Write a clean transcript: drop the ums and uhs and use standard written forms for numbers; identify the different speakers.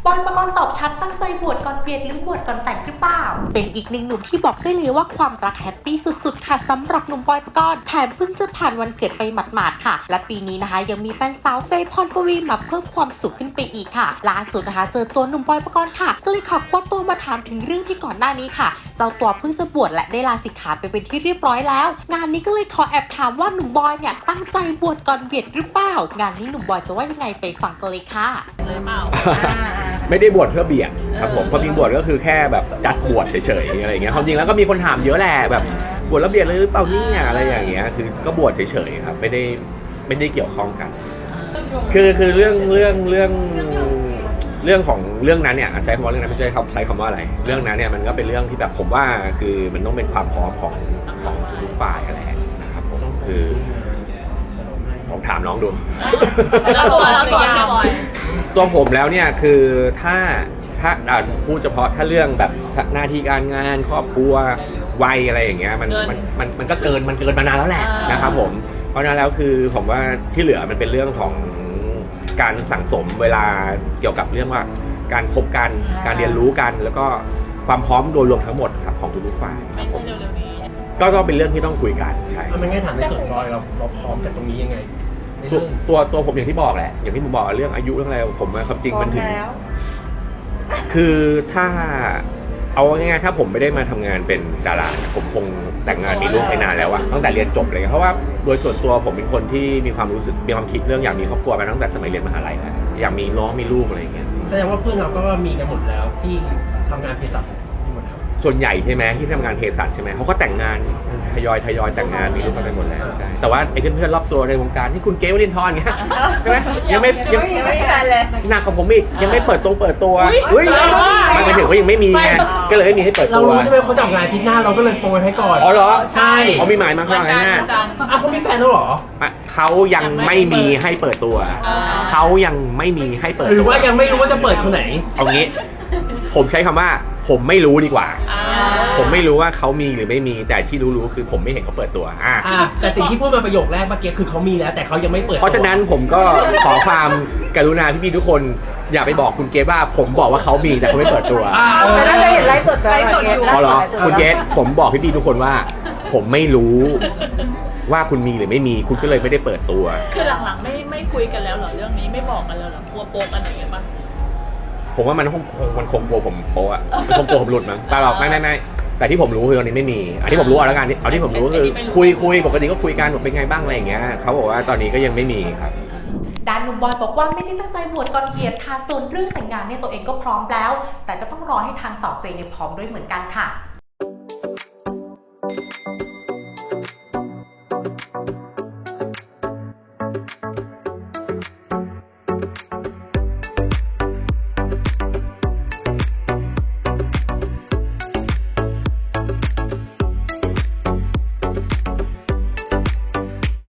Speaker 1: บอยปกรณ์ตอบชัดตั้งใจบวชก่อนเบียดหรือบวชก่อนแต่งหรือเปล่าเป็นอีกหนึ่งหนุ่มที่บอกได้เลยว่าความรักแฮปปี้สุดๆค่ะสำหรับหนุ่มบอยปกรณ์แถมเพิ่งจะผ่านวันเกิดไปหมาดๆค่ะและปีนี้นะคะยังมีแฟนสาวเฟย์พรปวีมาเพิ่มความสุขขึ้นไปอีกค่ะล่าสุดนะคะเจอตัวหนุ่มบอยปกรณ์ค่ะก็เลยขอคว้าตัวมาถามถึงเรื่องที่ก่อนหน้านี้ค่ะเจ้าตัวเพิ่งจะบวชและได้ลาสิกขาไปเป็นที่เรียบร้อยแล้วงานนี้ก็เลยขอแอบถามว่าหนุ่มบอยเนี่ยตั้งใจบวชก่อนเบียดหรือเปล่างานนี้หนุ่มบอยจะว่ายังไงไปฟังกันเลยค่ะ
Speaker 2: เลยเปล่า
Speaker 3: ไม่ได้บวชเพื่อเบียดครับผมความจริงบวชก็คือแค่แบบ just บวชเฉยๆอะไรอย่างเงี้ยความจริงแล้วก็มีคนถามเยอะแหละแบบบวชแล้วเบียดเลยหรือเปล่าเนี่ยอะไรอย่างเงี้ยคือก็บวชเฉยๆครับไม่ได้เกี่ยวข้องกันคือเรื่องของเรื่องนั้นเนี่ยใช้คำว่าเรื่องนั้นไม่ใช่ใช้คำว่าอะไรเรื่องนั้นเนี่ยมันก็เป็นเรื่องที่แบบผมว่าคือมันต้องเป็นความพร้อมของทุกฝ่ายอะไรนะครับผมคือผมถามน้องดู
Speaker 2: แล้วตัว
Speaker 3: ตัวผมแล้วเนี่ยคือถ้าพูดเฉพาะถ้าเรื่องแบบหน้าที่การงานครอบครัววัยอะไรอย่างเงี้ยมันก็เกินมานานแล้วแหละนะครับผมเพราะฉะนั้นแล้วคือผมว่าที่เหลือมันเป็นเรื่องของการสั่งสมเวลาเกี่ยวกับเรื่องว่าการคบกันการเรียนรู้กันแล้วก็ความพร้อมโดยรวมทั้งหมดครับของทุกฝ่าย
Speaker 2: ไม่ใช่เร็วๆนี้
Speaker 3: ก็ต้องเป็นเรื่องที่ต้องคุยกันใช่
Speaker 4: มันง่ายถามในส่วนบอยเราพร้อมกับตรงนี้ยังไง
Speaker 3: ตัวผมอย่างที่บอกแหละอย่างที่ผมบอกเรื่องอายุเรื่องอะไรผมความจริงมันถึงคือถ้าเอาง่ายๆถ้าผมไม่ได้มาทำงานเป็นดาราผมคงแต่งงานมีลูกไปนานแล้วอะตั้งแต่เรียนจบเลยเพราะว่าโดยส่วนตัวผมเป็นคนที่มีความรู้สึกมีความคิดเรื่องอยากมีครอบครัวมาตั้งแต่สมัยเรียนมหาลัยแล้วอยากมีน้องมีลูกอะไรอย่างเงี้ย
Speaker 4: แสดงว่าเพื่อนเราก็มีกันหมดแล้วที่ทำงานเภสัช
Speaker 3: ส่วนใหญ่ใช่ไหมที่ทำงานเภสัชใช่ไหมเขาก็แต่งงานทยอยแต่งงานมีลูกกันไปหมดแล้วใช่แต่ว่าไอ้เพื่อนๆรอบตัวในวงการที่คุณเกลวลินทร์เงี้ยใช่ไหมยังไม่เลยหนักกว่าผมอีกยังไม่เปิดตัวอุ้ยมันไปถึงว่ายังไม่มีไงก็เลยไม่มีให้เปิดตัว
Speaker 4: เรารู้ใช่ไหมเขาจะออกงานอาทิตย์หน้าเราก็เลยโปรยให้ก่อน
Speaker 3: อ๋อเหรอ
Speaker 4: ใช่
Speaker 3: เขามีหมายมาข้างหน้า
Speaker 4: เขามีแฟนแล้วเหรอ
Speaker 3: เขายังไม่มีให้เปิดตัวเขายังไม่มีให้เปิดตัว
Speaker 4: หรือว่ายังไม่รู้ว่าจะเปิดคนไหน
Speaker 3: เอางี้ผมใช้คำว่าผมไม่รู้ดีกว่าผมไม่รู้ว่าเขามีหรือไม่มีแต่ที่รู้คือผมไม่เห็นเขาเปิดตัว
Speaker 4: แต่สิ่งที่พูดมาประโยคแรกเมื่อกี้คือเขามีแล้วแต่เขายังไม่เปิด
Speaker 3: เพราะฉะนั้นผมก็ขอความกรุณาพี่ๆทุกคนอย่าไปบอกคุณเกศว่าผมบอกว่าเขามีแต่เขาไม่เปิดตัว
Speaker 5: แต่น่าจะเห็นไลฟ์สด
Speaker 3: อยู่อ๋อเหรอคุณเกศผมบอกพี่ๆทุกคนว่าผมไม่รู้ว่าคุณมีหรือไม่มีคุณก็เลยไม่ได้เปิดตัว
Speaker 2: คือหลังๆไม่คุยกันแล้วเหรอเรื่องนี้ไม่บอกกันแล้วเหรอกลัวโป๊กันอะไรอย่างเงี้ยป่ะ
Speaker 3: ผมว่ามันคงกลัวผมโป๊ะมันคงกลัวผมหลุดมั้งแต่หรอกไม่แต่ที่ผมรู้คือตอนนี้ไม่มีที่ผมรู้เอาแล้วกันเอาที่ผมรู้คือคุยปกติก็คุยกันเป็นไงบ้างอะไรอย่างเงี้ยเขาบอกว่าตอนนี้ก็ยังไม่มีครับ
Speaker 1: ด้านหนุ่มบอยบอกว่าไม่ได้ตั้งใจบวชก่อนเบียดค่ะส่วนเรื่องแต่งงานเนี่ยตัวเองก็พร้อมแล้วแต่ก็ต้องรอให้ทางสาวเฟย์เนี่ยพร้อมด้วยเหมือนกันค่ะ